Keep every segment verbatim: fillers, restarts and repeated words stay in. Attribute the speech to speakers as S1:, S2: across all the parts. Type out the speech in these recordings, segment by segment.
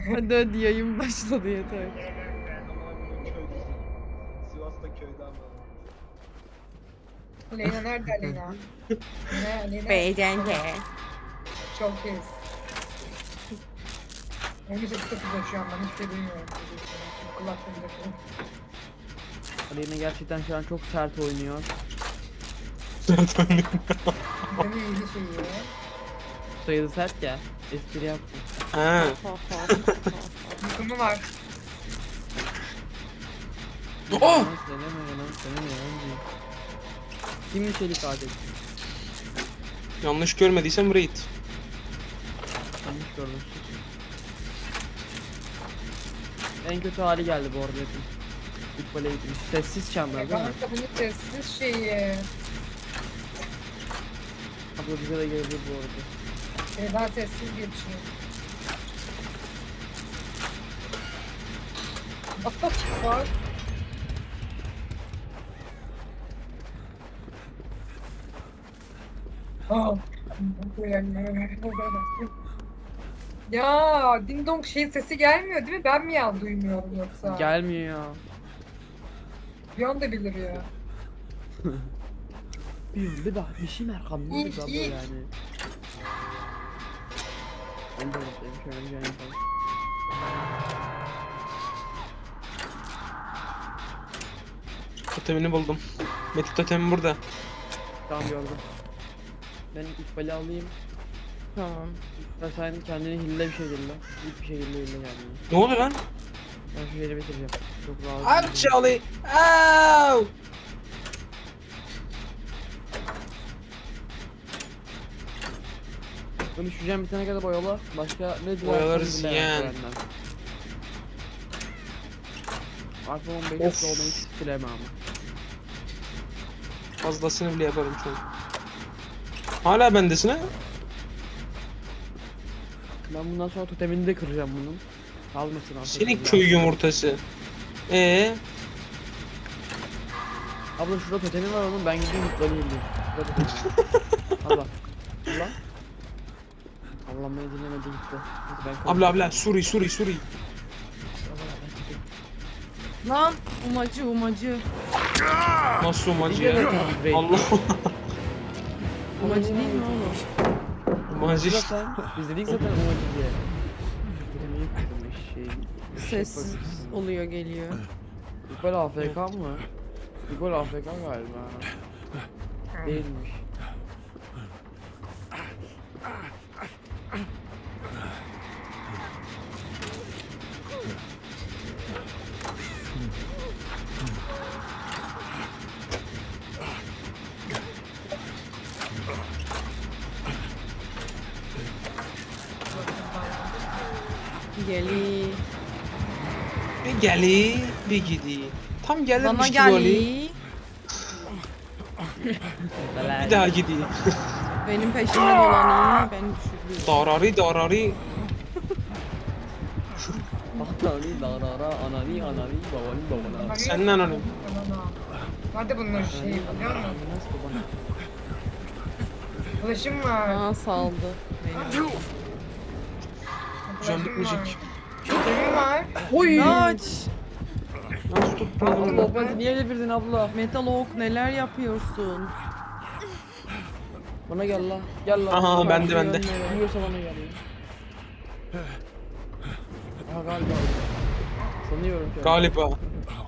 S1: Hadi hadi yayın başladı yeter.
S2: Sivas'ta köyden var.
S3: Aleyna nerede Aleyna? Ne Aleyna?
S1: Beycenge.
S3: Çok iz. on sekiz dokuzda şu an ben hiçbir şey duymuyorum. Kulaklığımda kalın.
S4: Aleyna gerçekten şu an çok sert oynuyor.
S3: Benim iyi şeyi.
S4: Sayılı sert ya. Espri yaptım.
S2: Ha.
S3: Yıkımı var.
S2: Oh!
S4: Yalan söyleme yalan söyleme yalan değil. Kim çelik adet?
S2: Yanlış görmediysem raid.
S4: Yanlış gördüm. En kötü hali geldi bu arada. İlk böyle gitmiş. Sessiz çanlar değil mi?
S3: Kanka bunun sessiz şeyi.
S4: Abla bize de gelebilir bu arada.
S3: Şeyden sessiz geçiyor. Var. Aa. Ya ding dong şey sesi gelmiyor değil mi? Ben mi yan duymuyorum yoksa?
S4: Gelmiyor ya.
S3: Bir anda bilir ya.
S4: Bir bir bak bir şey arkamda
S3: İyi,
S4: bir abla
S3: iyi.
S4: yani. Ben de buradayım şöyle bir yapalım.
S2: Totemini buldum. Metin totemi burada.
S4: Tamam gördüm. Ben İkbal'i alayım.
S1: Tamam.
S4: Ve sen kendini hille bir şekilde. İlk bir şekilde hille kendini.
S2: Ne oluyor lan?
S4: Ben şu yeri bitireceğim. Çok rahat.
S2: I'm Charlie. Ow!
S4: Bunu düşeceğim bitene kadar boyala. Başka ne dilersen
S2: Boyalarız
S4: dile
S2: yani.
S4: benden. iPhone on beş
S2: Of.
S4: olmayı hiç dileme ama.
S2: Fazlasını bile yaparım şu an. Hala bendesin ha?
S4: Ben bundan sonra totemini de kıracağım bunun. Kalmasın artık.
S2: Senin köy yumurtası. Ee,
S4: Abla şurada totemi var onun ben gideyim mutlarını yiyeyim. Şurada totemi. Allah. Allah. Allah beni dinlemedi gitti. Neyse ben
S2: abla abla Suri Suri Suri.
S1: Lan umacı umacı.
S2: Nasıl umacı ya?
S4: Allah.
S2: Allah.
S1: Umacı değil mi oğlum?
S2: Umacı işte.
S4: Zaten biz dedik zaten umacı diye. Totemi yıktım eşeği.
S1: Sessiz oluyor geliyor.
S4: İkbal A F K mı? İkbal A F K galiba. Değilmiş.
S1: Geli.
S2: Bir geli bir gidi. Tam
S1: Bana
S2: gelirmiş gibi Ali.
S1: geli.
S2: Bir daha gidi.
S1: Benim peşimden olan iyi. Beni düşürdü.
S2: Darari darari.
S4: Anani darara anani anani babani babana.
S2: Senden hanım.
S3: Nerede bunların şeyi biliyor musun?
S4: Nasıl babana?
S3: Ulaşım var.
S1: Aa saldı. Beni.
S2: Can
S3: Ulaşım var.
S2: bitmeyecek.
S3: Ulaşım var.
S4: Oy!
S1: Kaç.
S2: Nasıl tutmadın?
S4: Abla beni niye devirdin abla?
S1: Metal Oak neler yapıyorsun?
S4: Bana gel la. Gel la.
S2: Aha,
S4: Bak,
S2: bende,
S4: şu
S2: bende.
S4: yönlere. Biliyorsa bana gel ya. Aha galiba. Sanıyorum ki.
S2: Galiba.
S4: O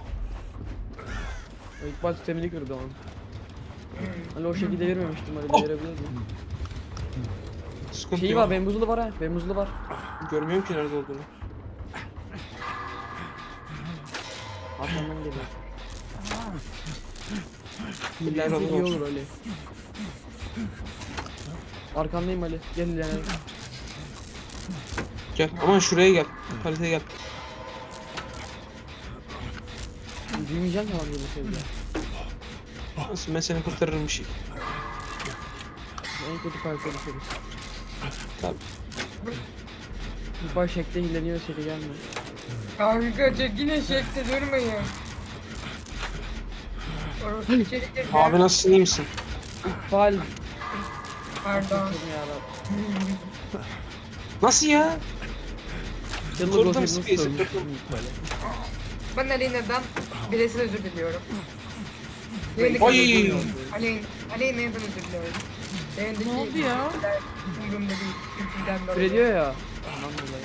S4: ilk baş sistemini kırdı onun. Hani o şekilde vermemiştim hani
S2: Oh.
S4: verebilirdim.
S2: Sıkıntı
S4: Şeyi
S2: yok.
S4: var, bembuzlu var ha. Bembuzlu var.
S2: Görmüyorum ki nerede olduğunu.
S4: Arkamdan geliyor.
S2: Billahi
S4: Bizi
S2: razı
S4: iyi
S2: olsun.
S4: olur Ali. Arkandayım Ali. Gel ilerine.
S2: Gel. Aman şuraya gel. Haritaya gel.
S4: Büyümeyeceğim ya abi bu şeyde.
S2: Nasıl ben seni kurtarırım bir şey.
S4: En kötü parça düşeriz.
S2: Tabii.
S4: Bir baş şekle hileniyor seri gelmiyor.
S3: Kanka çek yine şekte durmayın. Orası içeri girdi.
S2: Abi nasılsın, iyi misin?
S4: Fal.
S3: Pardon.
S4: Yarabbim.
S2: Nasıl ya?
S4: Yıllık
S2: Buradan
S4: olsaydı nasıl
S2: space'e
S4: sormuştum
S2: takıl-
S4: böyle.
S3: Ben Aleyna'dan bireysel özür diliyorum.
S2: Ay!
S3: Yayındaki Aleyna, Aleyna'dan özür diliyorum. Yayındaki
S1: Ne oldu ya?
S3: Umurumda değil. Küfürden
S4: Küfür
S3: dolayı.
S4: ediyor ya. Ondan dolayı.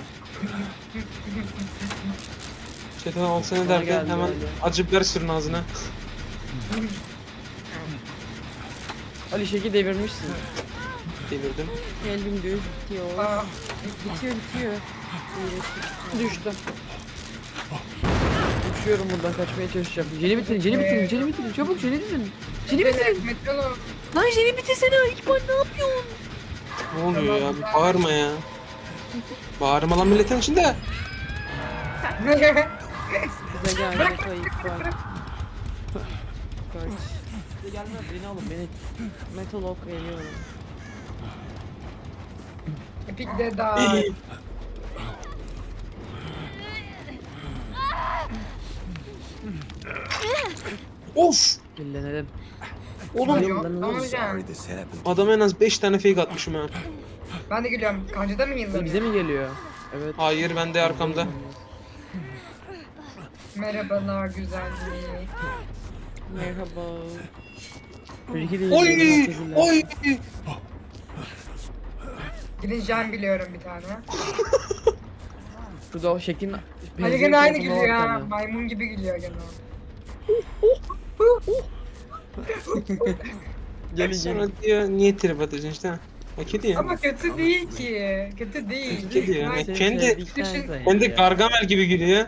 S2: Çetin alsana
S4: Bana
S2: derken
S4: geldi,
S2: hemen
S4: geldi.
S2: acı biber sürün ağzına.
S4: Ali şeki devirmişsin.
S2: Devirdim.
S1: Geldim göz bitiyor.
S3: Aa,
S1: Bitiyor bitiyor. İyileştik.
S4: Düştüm. Uçuyorum buradan kaçmaya çalışacağım. Jeli bitirin, jeli bitirin, jeli bitirin. Çabuk jeli bitirin. Jeli bitirin.
S3: Metalo.
S4: Lan jeli bitirsene. İkbal ne yapıyorsun?
S2: Ne oluyor ya? Bir bağırma ya. Bağırma lan milletin içinde.
S1: Bize geldi kayıp var. Kaç.
S4: Size gelmez beni alın beni.
S1: Metal ok veriyorum.
S3: Epic de daha.
S2: Of!
S4: Dillenelim.
S2: Oğlum
S3: Tamam hocam.
S2: adama en az beş tane fake atmışım ha.
S3: Ben de geliyorum. Kancada mı
S4: Bize
S3: yıllanıyor?
S4: mi geliyor? Evet.
S2: Hayır ben de arkamda.
S3: Merhabalar güzelliği.
S1: Merhaba.
S4: Önceki değil.
S2: Oy!
S4: Oy!
S2: Oy!
S3: Gideceğim biliyorum bir tane.
S4: Şurada o şeklin...
S3: Ali gene aynı
S4: tarafında
S3: gülüyor
S4: var
S3: ha.
S4: bir tane.
S3: Maymun gibi gülüyor gene.
S4: Gelin
S2: Sonra
S4: gelin.
S2: diyor niye trip atıyorsun işte. Ha kedi ya.
S3: Ama kötü değil ki. Kötü değil.
S2: Kedi ya.
S3: Ben-
S2: Yani kendi
S4: sevdikten
S3: Düşün-
S4: sonra
S2: kendi
S4: ya.
S2: Gargamel gibi gülüyor.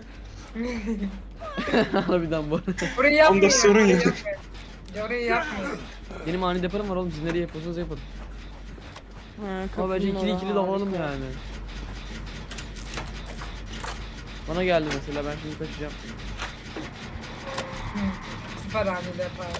S4: Harbiden bu.
S3: Orayı yapmıyor.
S2: Onda sorun
S3: orayı
S2: yok.
S3: yapmıyor. Orayı yapmıyor.
S4: Benim ani deparım var oğlum. Siz nereye yapıyorsanız yapın.
S1: Ha,
S4: Ama bence ikili ikili dalalım yani. Bana geldi mesela ben şimdi kaçacağım.
S3: Hı, Süper hamile yaparmış.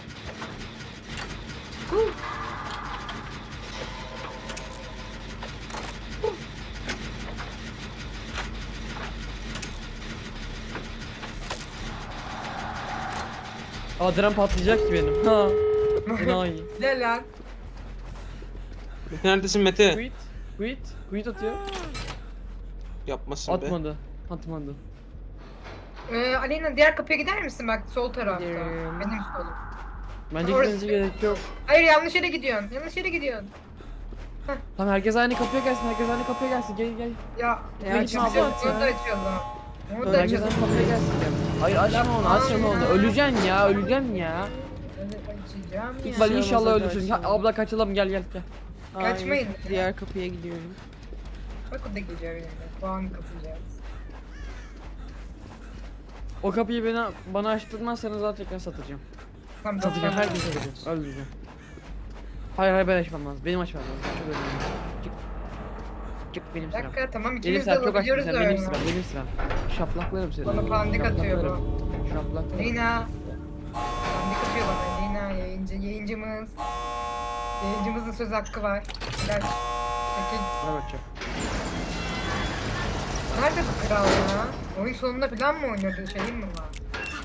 S4: Adren patlayacak ki benim. Ha. Enayi.
S3: Gel lan.
S2: Neredesin Mete?
S4: Quit. Quit. Quit atıyor.
S2: Yapmasın be.
S4: Atmadı. Atmadı.
S3: Ee, Aleyna diğer kapıya gider misin bak sol tarafta.
S1: Gidiyorum.
S3: Benim solum.
S4: Bence
S3: Orası-
S4: gitmenize gerek yok.
S3: Hayır yanlış yere gidiyorsun. Yanlış yere gidiyorsun.
S4: Tamam herkes aynı kapıya gelsin. Herkes aynı kapıya gelsin. Gel gel.
S3: Ya
S1: E, açma
S3: açacağız,
S1: abla,
S3: Onu da açalım. Onu da
S4: Herkes
S3: açalım.
S4: aynı kapıya gelsin. Gel. Hayır açma onu. Açma onu. Öleceksin ya. Öleceksin ya.
S3: Evet, açacağım ya.
S4: İkbal
S1: şey
S4: inşallah
S1: olmaz, hadi
S4: ölürsün. Ha,
S1: açalım.
S4: abla kaçalım gel gel gel.
S3: Kaçmayın.
S1: Diğer kapıya gidiyorum.
S3: Bak o da geliyor yine. Puan kapacağız.
S4: O kapıyı bana, bana açtırmazsanız zaten tekrar satacağım.
S3: Tamam
S4: Satacağım
S3: tamam.
S4: herkese satacağım. Öldüreceğim. Hayır hayır ben açmam lazım. Benim açmam lazım. Çok önemli. Çık. Çık benim
S3: Bir
S4: sıram.
S3: dakika tamam
S4: Benim
S3: ikimiz de
S4: sıram çok açtın
S3: alabiliyoruz
S4: sen.
S3: da
S4: Benim
S3: öyle.
S4: sıram. Benim sıram. Şaplaklarım seni.
S3: Bana pandik atıyor bu.
S4: Şaplaklarım.
S3: Leyna. Pandik atıyor bana. Leyna yayıncı. Yayıncımız. Yayıncımızın söz hakkı var. Gel. Peki.
S4: Bana bakacağım.
S3: Nerede bu kral ya? Oyun sonunda falan mı oynuyordu? Şeyim mi var?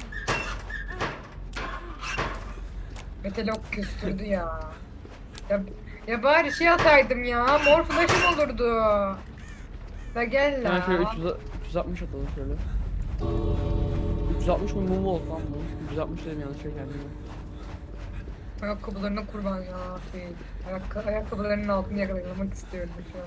S3: Metelok küstürdü ya. Ya, ya bari şey ataydım ya. Mor flash'ım olurdu. Da gel
S4: Ben şöyle
S3: la.
S4: üç yüz, üç yüz altmış atalım şöyle. üç yüz altmış mı mum oldu lan bu? üç yüz altmış dedim yanlış şey kendime.
S3: Ayakkabılarına kurban ya. Şey, ayak, ayakkabılarının altını yakalamak istiyorum şu an.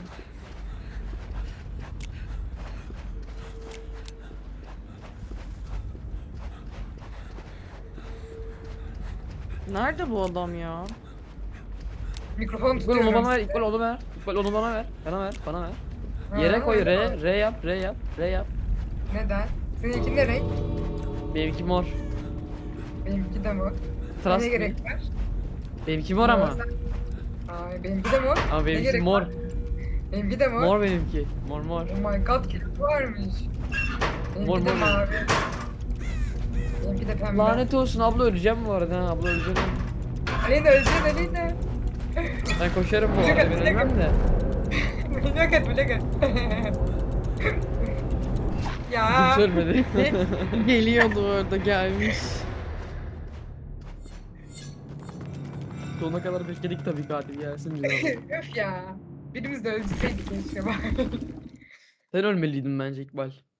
S1: Nerede bu adam ya?
S3: Mikrofonu
S4: İkbal onu
S3: tutuyorum.
S4: bana ver, İkbal onu ver. İkbal onu bana ver. Bana ver, bana ver.
S3: Ha,
S4: Yere koy,
S3: öyle mi?
S4: R, R yap, R yap, R yap.
S3: Neden? Seninki ne renk?
S4: Benimki mor.
S3: Benimki de mor.
S4: Trust
S3: Ne
S4: me.
S3: gerek var?
S4: Benimki mor ama.
S3: Ay benimki de mor.
S4: Ama
S3: Ne
S4: benimki
S3: gerek
S4: mor.
S3: var? Benimki de mor.
S4: Mor benimki. Mor mor.
S3: Oh my god kirpi varmış. Benimki
S4: Mor,
S3: de
S4: mor.
S3: mavi. Benimki de pembe.
S4: Lanet olsun abla öleceğim bu arada ha abla öleceğim.
S3: Aleyna öleceksin Aleyna.
S4: Ben koşarım bu
S3: Blok
S4: arada
S3: at, blok
S4: ben ölmem de.
S3: Blok et blok et. Ya.
S4: Kimse ölmedi.
S1: Geliyordu orada gelmiş.
S4: Sonuna kadar bekledik tabii katil gelsin bize.
S3: Öf ya. Birimiz de öldürseydik keşke bari.
S4: Sen ölmeliydin bence İkbal.